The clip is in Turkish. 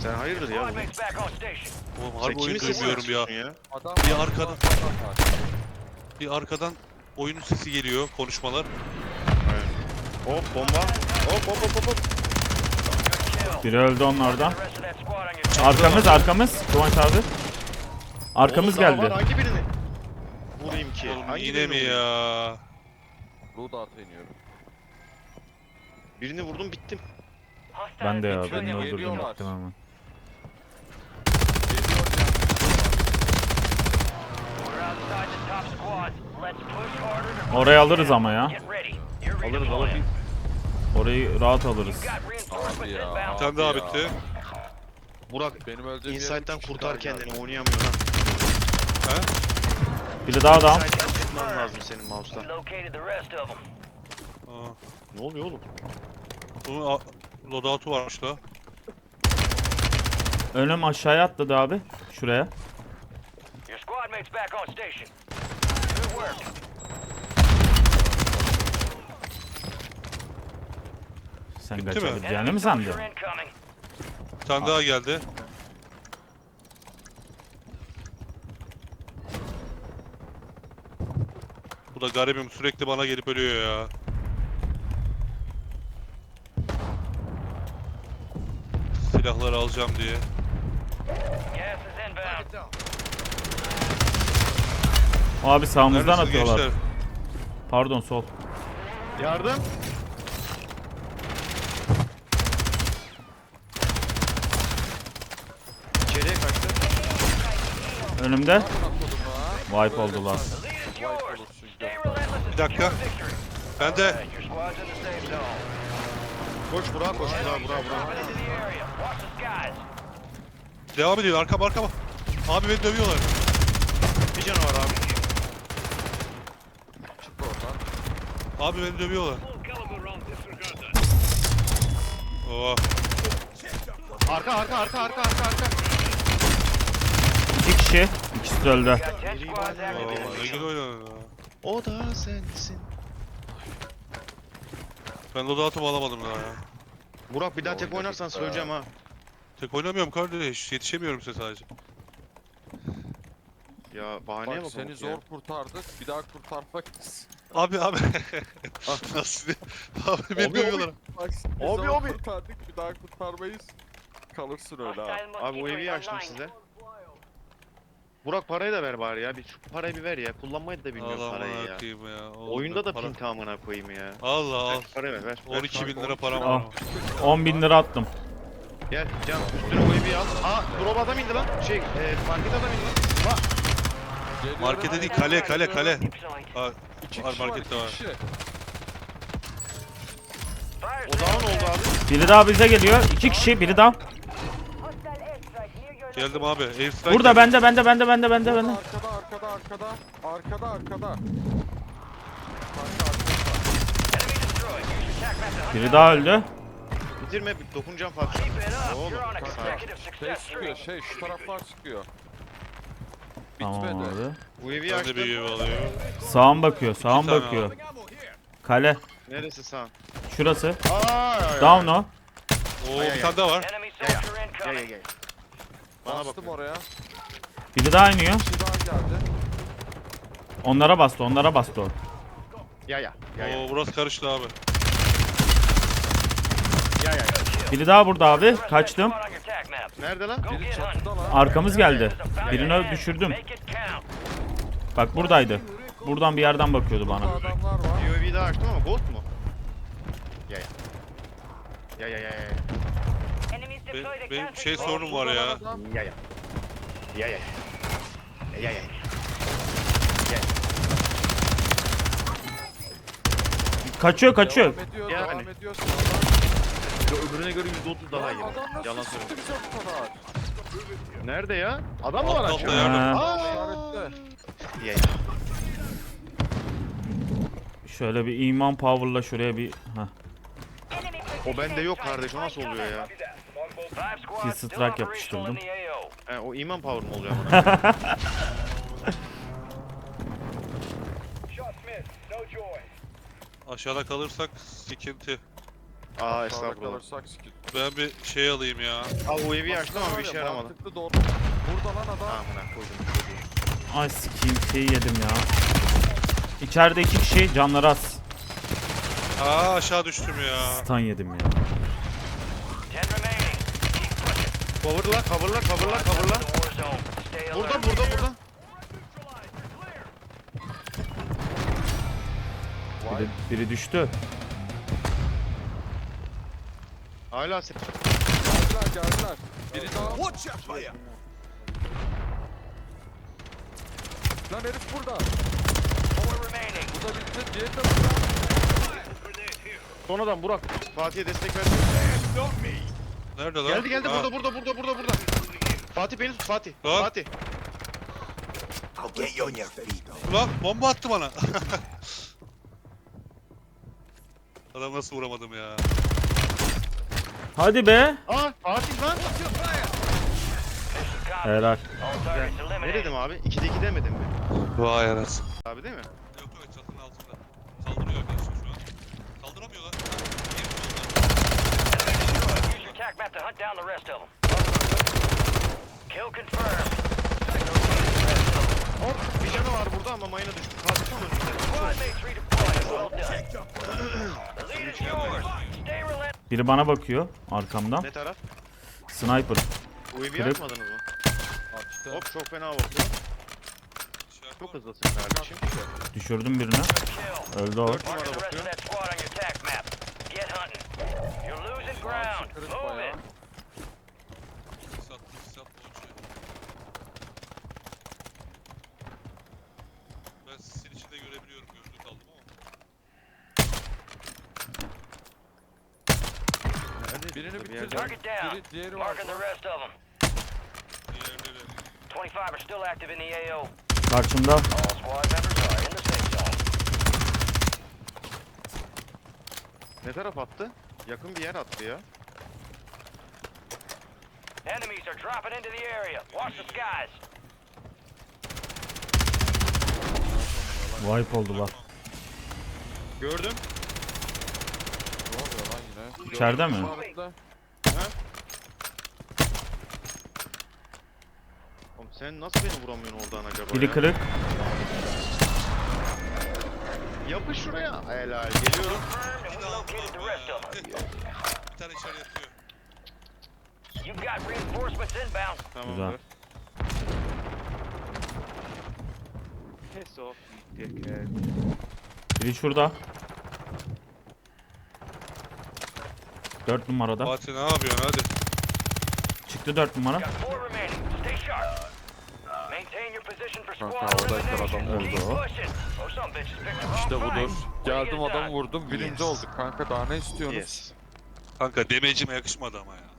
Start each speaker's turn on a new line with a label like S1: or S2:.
S1: Sen hayırdır ya?
S2: Squad mates back on station.
S3: Oğlum
S1: Sen
S3: harbi oyun
S1: kimin sesini
S3: duymuyorum ya.
S1: ya?
S4: Adam
S3: Bir
S4: var,
S3: arkadan-
S4: adam var.
S3: Bir arkadan oyunun sesi geliyor, konuşmalar.
S1: Aynen. Hop bomba. Hop hop hop hop.
S2: Good kill.
S5: Biri öldü onlardan.
S2: The rest of that squad on your team.
S5: Arkamız. Kıvanç abi. Arkamız
S1: Oğlum daha var,
S5: geldi.
S1: hangi birini? Vurayım ki.
S3: Oğlum
S1: Hangi
S3: yine
S1: birini
S3: mi
S1: vurayım?
S3: ya?
S4: Loadout'a iniyorum.
S1: Birini vurdum bittim.
S2: Hostile
S5: Ben de ya,
S2: infantry
S5: beni
S2: on
S5: öldürdüm
S4: Geliyorlar.
S5: baktım hemen.
S4: Geliyor ya.
S2: We're outside the top squad. Let's push harder to
S5: Orayı alırız ama ya.
S2: get ready. You're
S1: Alırız
S2: redeploying.
S5: Orayı rahat alırız.
S2: You've got reinforcements
S4: Abi ya.
S2: inbound.
S3: Bir tane daha
S4: Ya.
S3: bitti.
S1: Burak
S4: Benim öldüğüm yere
S1: Inside'den
S4: üç kişi
S1: kurtar
S4: daha geldi.
S1: kendini, oynayamıyor lan.
S3: He?
S5: Biri daha down.
S1: Inside'den çıkman lazım senin mouse'tan.
S2: We located the rest of them.
S3: Aa,
S1: Ne oluyor oğlum?
S3: bunun loadout'u varmış la.
S5: Önüm aşağıya atladı abi. Şuraya.
S2: Your squad mates back on station. Good work.
S5: Sen
S3: Bitti mi?
S5: kaçabileceğini
S2: Enemy
S5: mi sandın?
S2: soldier incoming.
S3: Bir tane daha geldi. Bu da garibim, sürekli bana gelip ölüyor ya. Silahları alacağım diye.
S2: Gas is inbound.
S5: Abi sağımızdan
S3: Neredesiniz
S5: atıyorlar.
S3: gençler?
S5: Pardon sol.
S1: Yardım. İçeriye kaçtı.
S5: Önümde.
S4: Amına kodum ha.
S5: Wipe oldular.
S2: The lead is
S4: Wipe
S2: yours.
S4: olursun
S2: Stay
S4: gökten.
S2: relentless and
S3: Bir dakika.
S2: secure victory.
S3: Ben de
S2: Alright, your squad's in the safe zone.
S1: Koş Burak koş Burak Burak Burak.
S2: Moving into the area. Watch the skies.
S3: devam ediyor, arkama. Abi beni dövüyorlar.
S1: Bir canı var abi.
S4: Çık oradan.
S3: Abi beni dövüyorlar. Oh.
S1: Arka.
S5: 2 kişi. İkisi de öldü.
S2: Got 10 squads active in
S3: Oh,
S2: the
S3: ne güzel oynadın ya.
S1: O da sensin.
S3: Ben loadout'umu alamadım daha ya.
S1: Burak bir daha tek oynarsan söyleyeceğim ha.
S3: Tek oynamıyorum kardeş, yetişemiyorum size sadece.
S1: Ya bahaneye
S4: Bak
S1: bak.
S4: seni zor kurtardık. Bir daha kurtarmak
S3: Abi. Nasıl? Abi beni
S1: Abi,
S3: dövüyorlar.
S4: Bak biz
S1: Abi,
S4: zor
S1: abi.
S4: kurtardık. Bir daha kurtarmayız. Kalırsın öyle ha.
S2: Hostile
S1: Abi bu
S2: mosquito
S1: evi
S2: is
S1: açtım
S2: online.
S1: size. Burak parayı da ver bari ya. Bir şu parayı bir ver ya. Kullanmayı da bilmiyorum
S3: Allah
S1: parayı ya.
S3: amına koyayım ya. Oğlum
S1: Oyunda
S3: ben
S1: da
S3: para-
S1: pink amına koyayım ya.
S3: Allah al.
S1: Ver, parayı ver.
S3: 12 bin lira param
S5: Al.
S3: var.
S5: 10.000 lira attım.
S1: Gel Can üstüne o evi al. Aa drop adam indi lan. Market adam indi lan.
S4: Geliyorum.
S3: Markete değil, kale. Aa,
S4: İki
S3: var,
S4: kişi var,
S3: markette
S4: iki
S3: var.
S4: kişi.
S2: Fire
S1: O down oldu abi.
S5: Biri daha bize geliyor. 2 kişi. Biri daha.
S3: geldim abi. Airstrike
S5: Burada
S3: geldi.
S5: bende.
S4: Arkada. Arkada.
S2: Enemy destroyed. Use your tac map to hunt
S5: Biri
S2: down
S5: daha öldü.
S1: Bitirme dokunacağım Fatih.
S2: Keep it up.
S1: Oğlum,
S2: You're on a
S1: sağ ol.
S2: consecutive
S4: Şey
S2: success
S4: sıkıyor,
S2: streak.
S4: şu taraflar sıkıyor.
S5: Tamam
S4: Bitmedi.
S5: abi.
S1: Bu evi
S3: Ben de
S1: açtım.
S3: bir ev alıyorum.
S5: Sağım bakıyor. Sağım
S3: tane
S5: bakıyor. Kale.
S1: Neresi sağ?
S5: Şurası.
S1: Aa,
S5: Down o.
S3: Oo,
S1: Ay,
S3: bir tane daha var.
S2: Enemy soldier
S1: Gel
S2: incoming.
S1: gel. Bana bak.
S4: Bastım oraya.
S5: Biri daha iniyor.
S4: Bir daha geldi.
S5: Onlara bastı. o.
S1: Ya.
S3: Oo, burası karıştı abi.
S1: Ya.
S5: Biri daha burada abi.
S2: Rest of that
S5: Kaçtım.
S2: squad on your tac map.
S1: Nerede lan?
S2: Go
S4: Biri
S2: get hunting.
S4: çatıda lan.
S5: Arkamız geldi.
S2: This is about
S5: Birini
S2: to end.
S5: düşürdüm.
S2: Make it count.
S5: Bak buradaydı. Buradan bir yerden bakıyordu bana.
S4: Burada adamlar var.
S1: UAV'yi daha açtım ama gold mu? Ya.
S2: Enemies deployed a
S3: Benim
S2: counter
S3: şey
S2: drone.
S3: sorunum var ya.
S4: Adam.
S1: Ya.
S5: Kaçıyor.
S4: Devam ediyor,
S1: Yani.
S4: devam ediyorsun.
S1: Öbürüne göre %30 daha iyi.
S4: Adam nasıl
S1: Yalan
S4: sıktı
S1: söylüyorum.
S4: bize bu kadar?
S1: Nerede ya? Adam mı var
S3: Altta
S1: aşağıda?
S3: yardım.
S5: Ha.
S4: İşaretle.
S1: Ya.
S5: Şöyle bir iman power'la şuraya bir. Heh.
S1: O bende yok kardeş, o nasıl oluyor ya?
S2: Five squads
S5: Kill
S2: still
S5: strike
S2: operational
S5: yapıştırdım.
S2: in the AO.
S1: He, o iman power mı oluyor bana?
S3: Aşağıda kalırsak sıkıntı.
S1: Aa
S4: Sağda
S1: estağfurullah.
S4: kalırsak sikir.
S3: Ben bir şey alayım ya.
S1: Aa UAV'yi açtım ama bir şey yaramadı.
S4: Mantıklı doğru. Burada lan adam.
S1: Amına koydum çocuğu.
S5: Ay sikeyim şeyi yedim ya. İçeride 2 kişi canları az.
S3: Aa aşağı düştüm ya.
S5: Stun yedim ya.
S2: 10 remaining. Keep pushing.
S1: Coverla coverla coverla coverla.
S2: The war zone. Stay alert.
S1: Burada.
S5: Biri düştü.
S1: Hala set.
S4: Geldiler. Biri daha. Lan herif burada.
S2: 4 remaining.
S4: Bu da bitti. Diğeri de burada.
S1: Son adam Burak. Fatih'e destek ver.
S3: Nerede lan?
S1: Geldi
S3: Ha,
S1: burada. Fatih beni tut Fatih.
S3: Lan.
S1: Fatih.
S3: Ulan bomba attı bana. Adam nasıl vuramadım ya.
S5: Hadi be.
S1: Aa Fatih lan.
S2: Mission copy.
S5: Helal.
S2: All targets
S1: Ne
S2: eliminated.
S1: dedim abi? 2'de 2 demedim mi?
S3: Vay anasını.
S1: Abi değil mi?
S3: Yok yok çatının altında. Saldırıyor arkadaşlar şu an. Saldıramıyorlar.
S2: Use your tac map to hunt down the rest of them. Kill confirmed.
S1: Hop bir canı var burada ama mayına düştü. Fatih son önünde.
S2: Squad mates redeployed. Well done. The lead is yours. Stay relentless.
S5: Biri bana bakıyor arkamdan.
S1: Ne taraf?
S5: Sniper.
S1: UAV'yi
S5: Kırık.
S1: açmadınız mı?
S4: Açtı.
S1: Hop çok fena bakıyor. Çok hızlısın kardeşim.
S5: Düşürdüm birini.
S2: Kill.
S5: Öldü o.
S1: 4
S2: Mark
S1: numara
S2: the rest of
S1: bakıyor.
S2: that squad on your tac map. Get hunting. You're losing ground.
S4: Kırık
S2: Move
S4: bayağı.
S2: it.
S3: Sat boğucu. Ben sizin içinde görebiliyorum. Gözlük aldım ama.
S4: Birini
S1: Bir
S4: bitirdi.
S1: yerde.
S2: Target down.
S4: Diğeri var.
S2: Marking the rest of them.
S3: Diğerleri.
S2: 25 are still active in the AO.
S5: Karşımda.
S2: All squad members are in the safe zone.
S1: Ne taraf attı? Yakın bir yer attı ya.
S2: Enemies are dropping into the area. Watch the skies.
S5: Wipe oldular.
S1: Gördüm.
S4: Ne oluyor lan yine?
S5: İçeride mi?
S4: İşaretle.
S1: Oğlum sen nasıl beni vuramıyorsun oradan acaba
S5: Biri
S1: ya?
S5: kırık.
S1: Yapış şuraya. Helal geliyorum.
S2: Confirmed and we located the rest of them.
S3: Bir tane içeri yatıyor.
S2: You've got reinforcements inbound.
S1: Tamamdır. Kes o. Dickhead.
S5: Biri şurada. 4 numarada.
S3: Fatih ne yapıyorsun hadi.
S5: Çıktı 4 numara.
S2: Got 4 remaining. Stay sharp. Maintain your position for
S4: Kanka,
S2: squad
S4: havadayken
S2: elimination.
S4: adam
S2: Keep
S5: vurdu.
S2: pushing. Oh, some bitches picked the wrong
S4: İşte
S2: fight.
S4: budur.
S2: What
S4: Geldim
S2: are you
S4: adamı
S2: done?
S4: vurdum. Birinci
S1: Yes.
S4: olduk kanka. Daha ne istiyorsunuz?
S1: Yes.
S3: Kanka demecime yakışmadı ama ya.